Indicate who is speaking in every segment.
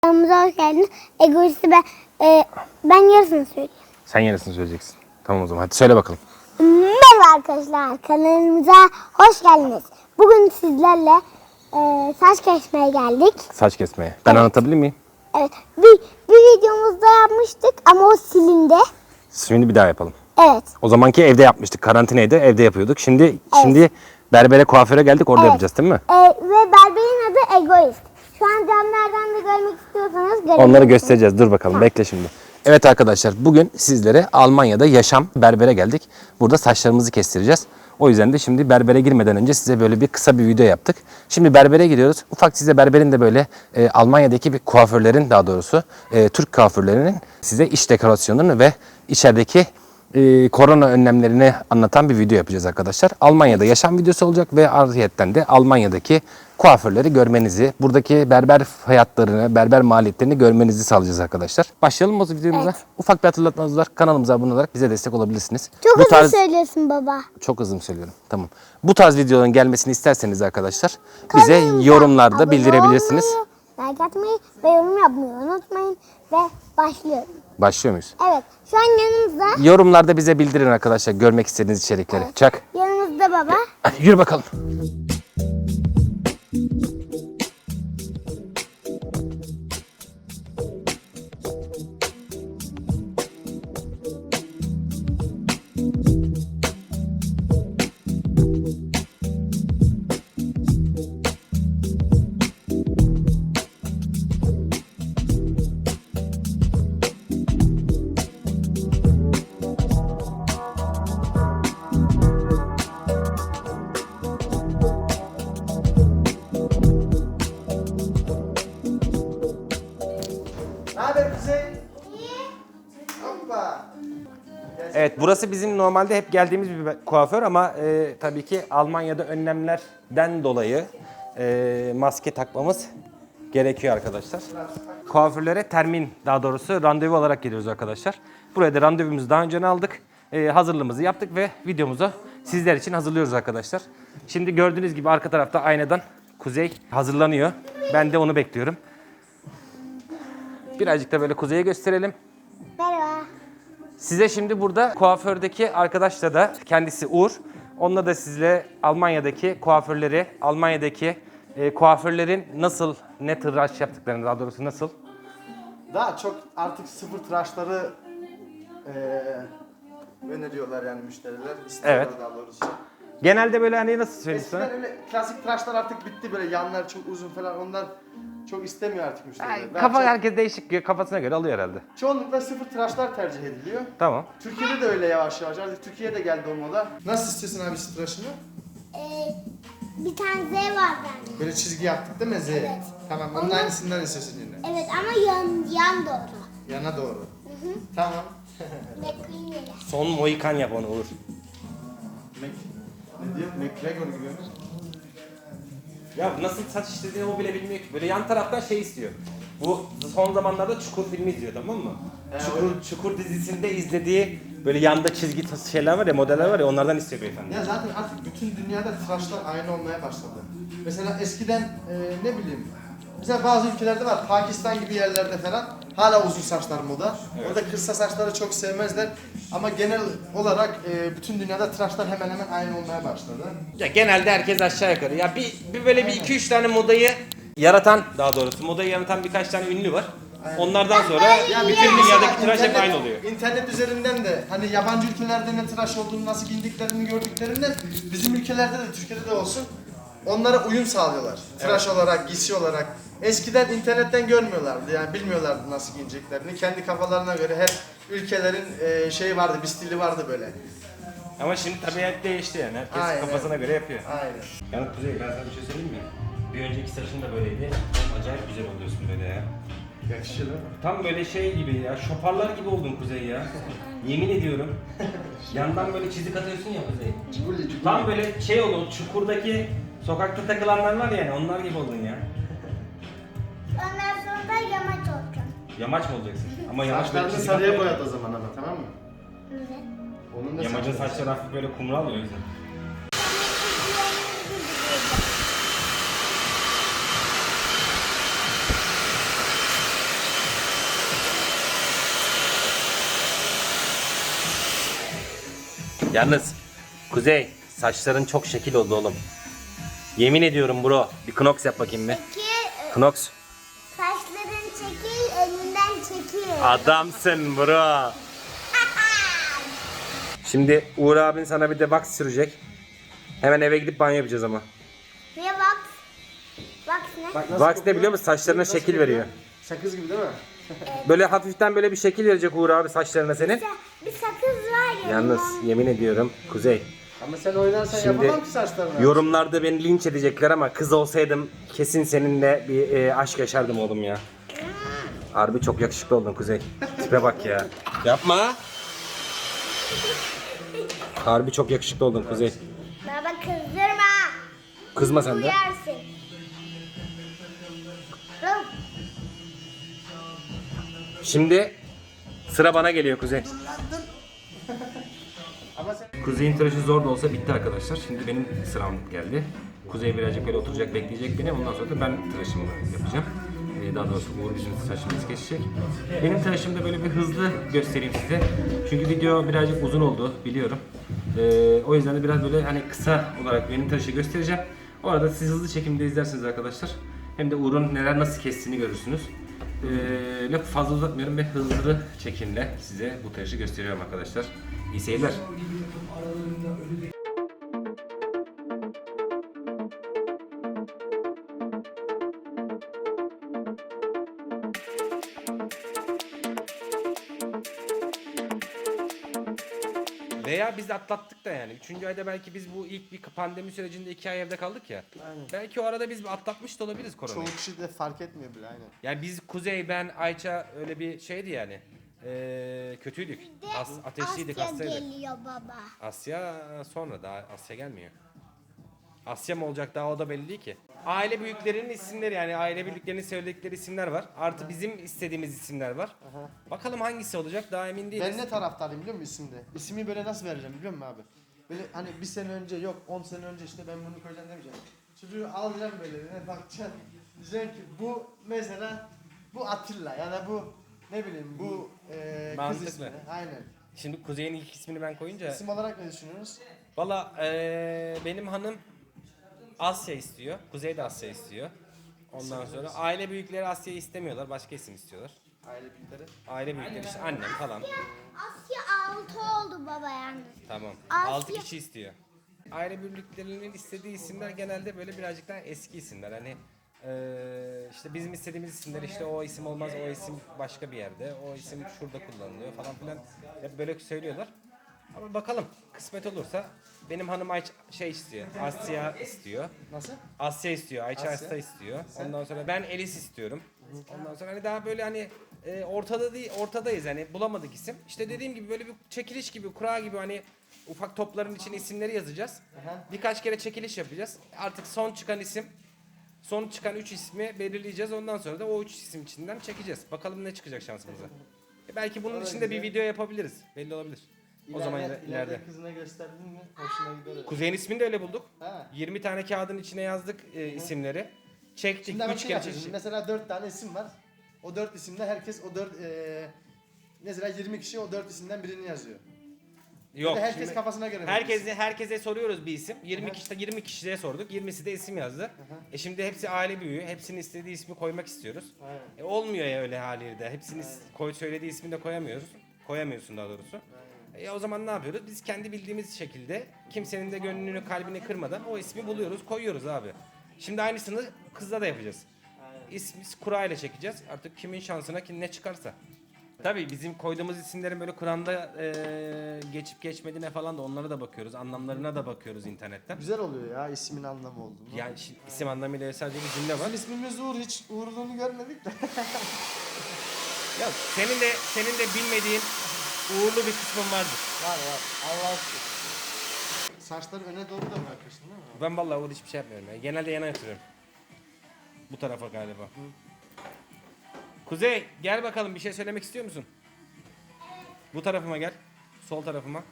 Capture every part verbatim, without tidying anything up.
Speaker 1: Kanalımıza hoş geldiniz. Egoisti ben, e, ben yarısını söyleyeyim.
Speaker 2: Sen yarısını söyleyeceksin. Tamam o zaman hadi söyle bakalım.
Speaker 1: Merhaba arkadaşlar, kanalımıza hoş geldiniz. Bugün sizlerle e, saç kesmeye geldik.
Speaker 2: Saç kesmeye. Ben
Speaker 1: Evet.
Speaker 2: anlatabilir miyim?
Speaker 1: Evet, bir, bir videomuzda yapmıştık ama o silindi.
Speaker 2: Şimdi bir daha yapalım.
Speaker 1: Evet.
Speaker 2: O zamanki evde yapmıştık. Karantinaydı, evde yapıyorduk. Şimdi şimdi berbere, kuaföre geldik, orada
Speaker 1: Evet.
Speaker 2: yapacağız değil mi?
Speaker 1: E, ve berberin adı Egoist. Şu an camlardan da görmek istiyorsanız görebilirsiniz.
Speaker 2: Onları göstereceğiz. Dur bakalım, bekle şimdi. Evet arkadaşlar, bugün sizlere Almanya'da yaşam berbere geldik. Burada saçlarımızı kestireceğiz. O yüzden de şimdi berbere girmeden önce size böyle bir kısa bir video yaptık. Şimdi berbere gidiyoruz. Ufak size berberin de böyle e, Almanya'daki bir kuaförlerin, daha doğrusu e, Türk kuaförlerinin size iç dekorasyonunu ve içerideki e, korona önlemlerini anlatan bir video yapacağız arkadaşlar. Almanya'da yaşam videosu olacak ve ayrıyetten de Almanya'daki kuaförleri görmenizi, buradaki berber hayatlarını, berber maliyetlerini görmenizi sağlayacağız arkadaşlar. Başlayalım mı o videomuza?
Speaker 1: Evet.
Speaker 2: Ufak bir hatırlatmanız var. Kanalımıza abone olarak bize destek olabilirsiniz.
Speaker 1: Çok
Speaker 2: Bu
Speaker 1: hızlı
Speaker 2: tarz...
Speaker 1: söylüyorsun baba.
Speaker 2: Çok hızlı mı söylüyorum? Tamam. Bu tarz videoların gelmesini isterseniz arkadaşlar bize
Speaker 1: Kanalımıza
Speaker 2: yorumlarda
Speaker 1: abone
Speaker 2: bildirebilirsiniz.
Speaker 1: olmayı, like atmayı ve yorum yapmayı unutmayın ve başlıyorum.
Speaker 2: Başlıyor muyuz?
Speaker 1: Evet, şu an yanımızda,
Speaker 2: Yorumlarda bize bildirin arkadaşlar görmek istediğiniz içerikleri. Çak.
Speaker 1: yanımızda baba.
Speaker 2: Hadi yürü bakalım.
Speaker 3: Ne haber Kuzey? Hoppa.
Speaker 2: Evet, burası bizim normalde hep geldiğimiz bir kuaför ama e, tabii ki Almanya'da önlemlerden dolayı e, maske takmamız gerekiyor arkadaşlar. Kuaförlere termin, daha doğrusu randevu olarak geliyoruz arkadaşlar. Buraya da randevumuzu daha önceden aldık. E, hazırlığımızı yaptık ve videomuzu sizler için hazırlıyoruz arkadaşlar. Şimdi gördüğünüz gibi arka tarafta aynadan Kuzey hazırlanıyor. Ben de onu bekliyorum. Birazcık da böyle Kuzey'e gösterelim.
Speaker 1: Merhaba.
Speaker 2: Size şimdi burada kuafördeki arkadaşla da kendisi Uğur. Onunla da sizle Almanya'daki kuaförleri, Almanya'daki e, kuaförlerin nasıl, ne tıraş yaptıklarını, daha doğrusu nasıl?
Speaker 3: Daha çok artık sıfır tıraşları eee öneriyorlar yani müşteriler. İstiyorlar
Speaker 2: Evet.
Speaker 3: daha doğrusu.
Speaker 2: Genelde böyle hani nasıl söyleyeyim sana?
Speaker 3: Eskiden öyle klasik tıraşlar artık bitti, böyle yanlar çok uzun falan, onlar çok istemiyor artık müşteriler.
Speaker 2: Yani
Speaker 3: Daha
Speaker 2: kafa
Speaker 3: çok-
Speaker 2: herkes değişik, kafasına göre alıyor herhalde.
Speaker 3: Çoğunlukla sıfır tıraşlar tercih ediliyor.
Speaker 2: Tamam.
Speaker 3: Türkiye'de de öyle yavaş yavaş. Artık Türkiye'de de geldi o moda. Nasıl istiyorsun abi tıraşını?
Speaker 1: Ee, bir tane Z var bende.
Speaker 3: Böyle çizgi yaptık değil mi Z?
Speaker 1: Evet.
Speaker 3: Tamam, onun
Speaker 1: Ondan-
Speaker 3: aynısından istiyorsun yine.
Speaker 1: Evet ama yan, yan doğru.
Speaker 3: Yana doğru. Tamam.
Speaker 1: McQueen ile.
Speaker 2: Son Mohikan yap onu Uğur.
Speaker 3: Mac, ne diyor? McGregor gibi mi?
Speaker 2: Ya nasıl saç işlediğini o bile bilmiyor ki. Böyle yan taraftan şey istiyor. Bu son zamanlarda Çukur filmi izliyor, tamam mı?
Speaker 3: Evet.
Speaker 2: Çukur, Çukur dizisinde izlediği böyle yanda çizgi tas- şeyler var ya, modeller var ya, onlardan istiyor beyefendi.
Speaker 3: Ya zaten artık bütün dünyada tıraşlar aynı olmaya başladı. Mesela eskiden e, ne bileyim, mesela bazı ülkelerde var, Pakistan gibi yerlerde falan hala uzun saçlar moda. Orada kısa saçları çok sevmezler ama genel olarak e, bütün dünyada tıraşlar hemen hemen aynı olmaya başladı.
Speaker 2: Ya genelde herkes aşağı yukarı. Ya bir, bir böyle bir iki üç tane modayı yaratan, daha doğrusu modayı yaratan birkaç tane ünlü var. Onlardan sonra
Speaker 3: Ya
Speaker 2: bütün
Speaker 3: mesela
Speaker 2: dünyadaki tıraş hep
Speaker 3: internet-
Speaker 2: aynı oluyor.
Speaker 3: İnternet üzerinden de hani yabancı ülkelerde ne tıraş olduğunu, nasıl giyindiklerini gördüklerinden bizim ülkelerde de, Türkiye'de de olsun, onlara uyum sağlıyorlar. Tıraş olarak, giysi olarak. Eskiden internetten görmüyorlardı, yani bilmiyorlardı nasıl giyineceklerini. Kendi kafalarına göre her ülkelerin e, şeyi vardı, bir stili vardı böyle.
Speaker 2: Ama şimdi tabiat değişti yani. Herkes
Speaker 3: Aynen.
Speaker 2: kafasına göre yapıyor.
Speaker 3: Aynen.
Speaker 2: Yani Kuzey, ben sana bir şey söyleyeyim mi? Bir önceki saçın da böyleydi. Acayip güzel oluyorsun böyle ya.
Speaker 3: Yakışıyor değil mi?
Speaker 2: Tam böyle şey gibi ya, şoparlar gibi oldun Kuzey ya. Yemin ediyorum. Yandan böyle çizik atıyorsun ya Kuzey.
Speaker 3: Cibuli, cibuli.
Speaker 2: Tam böyle şey oldu, Çukur'daki sokakta takılanlar var ya, yani onlar gibi oldun ya.
Speaker 1: Ondan sonra da yamaç olacağım.
Speaker 2: Yamaç mı olacaksın? Ama yamaç böyle
Speaker 3: Saçlarını
Speaker 2: çizik
Speaker 3: sarıya
Speaker 2: atıyor.
Speaker 3: boyat o zaman ama, tamam mı?
Speaker 1: Evet.
Speaker 3: Onun da
Speaker 2: Yamacın
Speaker 3: saçları-
Speaker 2: saçları hafif böyle kumral oluyor o yüzden. Yalnız Kuzey saçların çok şekil oldu oğlum. Yemin ediyorum bro. Bir knox yap bakayım bir.
Speaker 1: Peki
Speaker 2: Knox.
Speaker 1: saçların çekil, önünden çekil.
Speaker 2: Adamsın bro. Şimdi Uğur abin sana bir de wax sürecek. Hemen eve gidip banyo yapacağız ama.
Speaker 1: Niye bak? Bak ne?
Speaker 3: Bak nasıl
Speaker 2: Wax ne
Speaker 3: kokuyor?
Speaker 2: biliyor musun? Saçlarına
Speaker 3: Nasıl
Speaker 2: şekil
Speaker 3: kokuyor?
Speaker 2: veriyor.
Speaker 3: Sakız gibi değil mi?
Speaker 2: Böyle hafiften böyle bir şekil verecek Uğur abi saçlarına senin.
Speaker 1: Bir sakız var ya.
Speaker 2: Yalnız yemin ediyorum Kuzey.
Speaker 3: Ama sen oynarsan
Speaker 2: Şimdi
Speaker 3: yapamam ki saçlarını.
Speaker 2: yorumlarda beni linç edecekler ama kız olsaydım kesin seninle bir e, aşk yaşardım oğlum ya. Harbi çok yakışıklı oldun Kuzey. Tipe bak ya. Yapma. Harbi çok yakışıklı oldun Kuzey.
Speaker 1: Baba kızdırma.
Speaker 2: Kızma sen de.
Speaker 1: Uyarsın. Oğlum,
Speaker 2: Şimdi sıra bana geliyor Kuzey.
Speaker 3: Ama sen...
Speaker 2: Kuzey'in tıraşı zor da olsa bitti arkadaşlar. Şimdi benim sıram geldi. Kuzey birazcık böyle oturacak, bekleyecek beni. Ondan sonra da ben tıraşımı yapacağım. Ee, Daha doğrusu Uğur bizim tıraşımızı kesecek. Benim tıraşımda böyle bir hızlı göstereyim size. Çünkü video birazcık uzun oldu biliyorum. Ee, o yüzden de biraz böyle hani kısa olarak benim tıraşı göstereceğim. O arada siz hızlı çekimde izlersiniz arkadaşlar. Hem de Uğur'un neler nasıl kestiğini görürsünüz. Ee, lafı fazla uzatmıyorum ve hızlı çekimle size bu tıraşı gösteriyorum arkadaşlar. İyi seyirler. Veya biz atlattık da yani. Üçüncü ayda belki biz bu ilk bir pandemi sürecinde iki ay evde kaldık ya.
Speaker 3: Aynen.
Speaker 2: Belki o arada biz atlatmış da olabiliriz koronayı.
Speaker 3: Çoğu kişi de fark etmiyor bile aynen.
Speaker 2: Yani biz Kuzey, ben, Ayça öyle bir şeydi yani. Ee, kötüydük. As, ateşliydik,
Speaker 1: Asya
Speaker 2: hastaydık.
Speaker 1: geliyor baba.
Speaker 2: Asya sonra, daha Asya gelmiyor. Asya mı olacak daha, o da belli değil ki. Aile büyüklerinin isimleri, yani aile büyüklerinin söyledikleri isimler var. Artı bizim istediğimiz isimler var. Bakalım hangisi olacak, daha emin değiliz.
Speaker 3: Ben ne taraftarıyım biliyor musun isimde? İsmi böyle nasıl vereceğim biliyor musun abi? Böyle hani bir sene önce yok on sene önce işte ben bunu koyacağım demeyeceğim. Çocuğu alacağım böyle ne bakacaksın. Diyeceksin ki bu mesela bu Atilla ya da bu ne bileyim bu e, kız
Speaker 2: Mantıklı.
Speaker 3: ismi. Aynen.
Speaker 2: Şimdi Kuzey'in ilk ismini ben koyunca...
Speaker 3: İsim olarak ne düşünüyorsunuz?
Speaker 2: Valla eee, benim hanım Asya istiyor. Kuzey de Asya istiyor. Ondan sonra aile büyükleri Asya'yı istemiyorlar. Başka isim istiyorlar.
Speaker 3: Aile büyükleri.
Speaker 2: Aile büyükleri işte annem falan.
Speaker 1: Asya altı oldu baba yalnız.
Speaker 2: Tamam.
Speaker 1: Asya-
Speaker 2: altı kişi istiyor. Aile büyüklerinin istediği isimler genelde böyle birazcık daha eski isimler. Hani eee, işte bizim istediğimiz isimler, işte o isim olmaz, o isim başka bir yerde, o isim şurada kullanılıyor falan filan. Hep böyle söylüyorlar. Ama bakalım, kısmet olursa benim hanım Ayça şey istiyor. Asya istiyor.
Speaker 3: Nasıl?
Speaker 2: Asya istiyor, Ayça
Speaker 3: Asya.
Speaker 2: Asya istiyor. Ondan sonra ben Elis istiyorum. Ondan sonra hani daha böyle hani e, ortada değil, ortadayız hani, bulamadık isim. İşte dediğim gibi böyle bir çekiliş gibi, kura gibi, hani ufak topların içine isimleri yazacağız.
Speaker 3: Aha.
Speaker 2: Birkaç kere çekiliş yapacağız. Artık son çıkan isim, son çıkan üç ismi belirleyeceğiz. Ondan sonra da o üç isim içinden çekeceğiz. Bakalım ne çıkacak şansımıza. E, belki bunun
Speaker 3: O da
Speaker 2: içinde bir
Speaker 3: güzel.
Speaker 2: video yapabiliriz. Belli olabilir. O zaman
Speaker 3: İleride,
Speaker 2: ileride.
Speaker 3: ileride kızına gösterdin mi hoşuna gider.
Speaker 2: Kuzey'in ismini de öyle bulduk.
Speaker 3: Ha.
Speaker 2: yirmi tane kağıdın içine yazdık e, isimleri. Çektik,
Speaker 3: Şimdi ama
Speaker 2: üç
Speaker 3: şey
Speaker 2: kere
Speaker 3: yapıyorsun.
Speaker 2: çektik.
Speaker 3: Mesela dört tane isim var. O dört isimde herkes o dört eee mesela yirmi kişi o dört isimden birini yazıyor.
Speaker 2: Yok.
Speaker 3: Bir de herkes
Speaker 2: şimdi
Speaker 3: kafasına göre.
Speaker 2: herkese herkese soruyoruz bir isim. yirmi kişi yirmi kişiye sorduk. yirmisi de isim yazdı. E şimdi hepsi aile büyüğü. Hepsinin istediği ismi koymak istiyoruz.
Speaker 3: Aynen.
Speaker 2: E olmuyor ya öyle haliyle. Hepsinin koy söylediği ismini de koyamıyoruz. Koyamıyorsun daha doğrusu. E o zaman ne yapıyoruz? Biz kendi bildiğimiz şekilde, kimsenin de gönlünü, kalbini kırmadan o ismi buluyoruz, koyuyoruz abi. Şimdi aynısını kızla da yapacağız. İsmi kura ile çekeceğiz. Artık kimin şansına kim ne çıkarsa. Tabii bizim koyduğumuz isimlerin böyle Kur'an'da e, geçip geçmediğine falan da, onlara da bakıyoruz. Anlamlarına da bakıyoruz internetten.
Speaker 3: Güzel oluyor ya ismin anlamı olduğunu.
Speaker 2: Yani şi- isim anlamıyla sadece bir cümle var.
Speaker 3: Bizim ismimiz Uğur, hiç Uğurluğunu görmedik de.
Speaker 2: Ya senin de senin de bilmediğin uğurlu bir kısmın vardır.
Speaker 3: var var. Allah aşkına. Saçları öne doğru da bırakıyorsun değil mi?
Speaker 2: Ben vallahi uğur hiçbir şey yapmıyorum ya. Genelde yana yatırıyorum. Bu tarafa galiba. Kuzey gel bakalım, bir şey söylemek istiyor musun? Bu tarafıma gel. Sol tarafıma.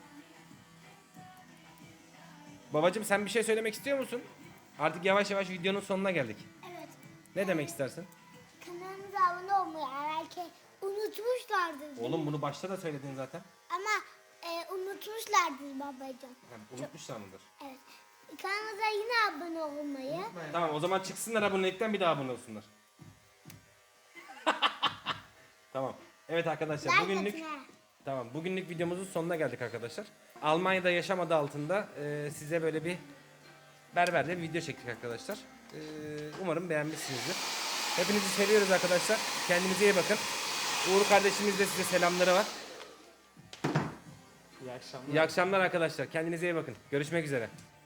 Speaker 2: Babacım sen bir şey söylemek istiyor musun? Artık yavaş yavaş videonun sonuna geldik.
Speaker 1: Evet.
Speaker 2: Ne demek istersin?
Speaker 1: Kanalımıza abone olmayı belki unutmuşlardır.
Speaker 2: Oğlum bunu başta da söyledin zaten.
Speaker 1: Ama e, unut unutmuşlardır babacığım.
Speaker 2: Unutmuşlar mıdır?
Speaker 1: Evet. Kanalımıza yine abone olmayı.
Speaker 2: Tamam o zaman çıksınlar abonelikten bir daha abone olsunlar. Tamam. Evet arkadaşlar
Speaker 1: Like
Speaker 2: bugünlük
Speaker 1: atın ha.
Speaker 2: tamam bugünlük videomuzun sonuna geldik arkadaşlar. Almanya'da yaşam adı altında e, size böyle bir berberle bir video çektik arkadaşlar. E, umarım beğenmişsinizdir. Hepinizi seviyoruz arkadaşlar. Kendinize iyi bakın. Uğur kardeşimiz de size selamları var.
Speaker 3: İyi akşamlar.
Speaker 2: İyi akşamlar arkadaşlar. Kendinize iyi bakın. Görüşmek üzere.